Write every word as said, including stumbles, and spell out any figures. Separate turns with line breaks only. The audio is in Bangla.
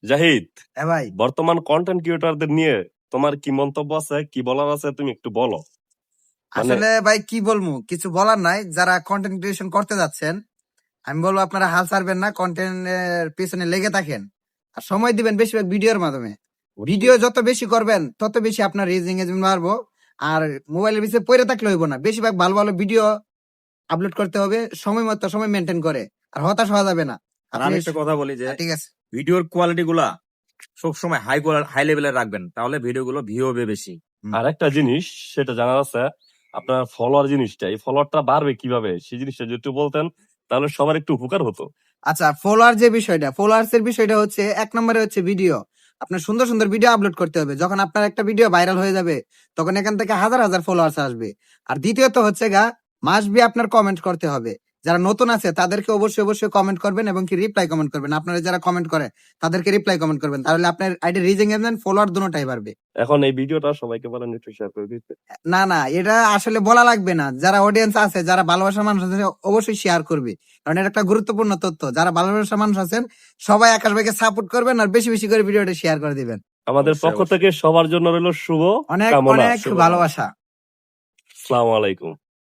জাহিদ,
হ্যাঁ ভাই,
বর্তমান কন্টেন্ট ক্রিয়েটরদের নিয়ে তোমার কি মন্তব্য আছে, কি বলার আছে, তুমি একটু বলো। মানে
আসলে ভাই কি বলবো, কিছু বলার নাই। যারা কন্টেন্ট ক্রিয়েশন করতে যাচ্ছেন, আমি বলবো আপনারা হাল ছাড়বেন না, কন্টেন্টের পিছনে লেগে থাকেন আর সময় দিবেন বেশিরভাগ ভিডিওর মাধ্যমে। ভিডিও যত বেশি করবেন তত বেশি আপনার রিচ এঙ্গেজমেন্ট বাড়বো। আর মোবাইলের পিছনে পড়ে থাকলে হইব না, বেশিরভাগ ভালো ভালো ভিডিও আপলোড করতে হবে, সময় মতো সময় মেনটেন করে। আর হতাশ হওয়া যাবে না।
আর
আপনি
আমি একটা কথা বলি যে
হ্যাঁ, ঠিক আছে।
ভিডিওর কোয়ালিটি গুলা সবসময় হাই হাই লেভেলের রাখবেন, তাহলে ভিডিও গুলো ভিউ হবে বেশি।
আর একটা জিনিস সেটা জানার আছে, আপনার ফলোয়ার জিনিসটা, এই ফলোয়ারটা বাড়বে কিভাবে, সেই জিনিসটা যদি একটু বলতেন তাহলে সবার একটু উপকার হতো।
আচ্ছা, ফলোয়ার যে বিষয়টা, ফলোয়ার্স এর বিষয়টা হচ্ছে এক নম্বরে হচ্ছে ভিডিও। আপনার সুন্দর সুন্দর ভিডিও আপলোড করতে হবে। যখন আপনার একটা ভিডিও ভাইরাল হয়ে যাবে তখন এখান থেকে হাজার হাজার ফলোয়ার্স আসবে। আর দ্বিতীয়ত হচ্ছে গা, মাস্ট বি আপনার কমেন্ট করতে হবে। যারা নতুন আছে তাদেরকে অবশ্যই অবশ্যই কমেন্ট করবেন এবং কি রিপ্লাই কমেন্ট করবেন। আপনারা যারা কমেন্ট করে তাদেরকে রিপ্লাই কমেন্ট করবেন, তাহলে আপনার আইডি রিচ এঙ্গেজমেন্ট ফলোয়ার দুটোটাই বাড়বে।
এখন এই ভিডিওটা সবাইকে বলেন একটু শেয়ার করে দিতে।
না না, এটা আসলে বলা লাগবে না। যারা অডিয়েন্স আছে, যারা ভালোবাসার মানুষ আছে, অবশ্যই শেয়ার করবে, কারণ এটা একটা গুরুত্বপূর্ণ তথ্য। যারা ভালোবাসার মানুষ আছেন সবাই আকাশ ভাইকে সাপোর্ট করবেন আর বেশি বেশি করে ভিডিওটা শেয়ার করে দিবেন।
আমাদের
অবশ্যই,
পক্ষ
অবশ্যই।
থেকে সবার জন্য রইল শুভ
অনেক
কামনা।
অনেক ভালোবাসা।
আসসালামু আলাইকুম।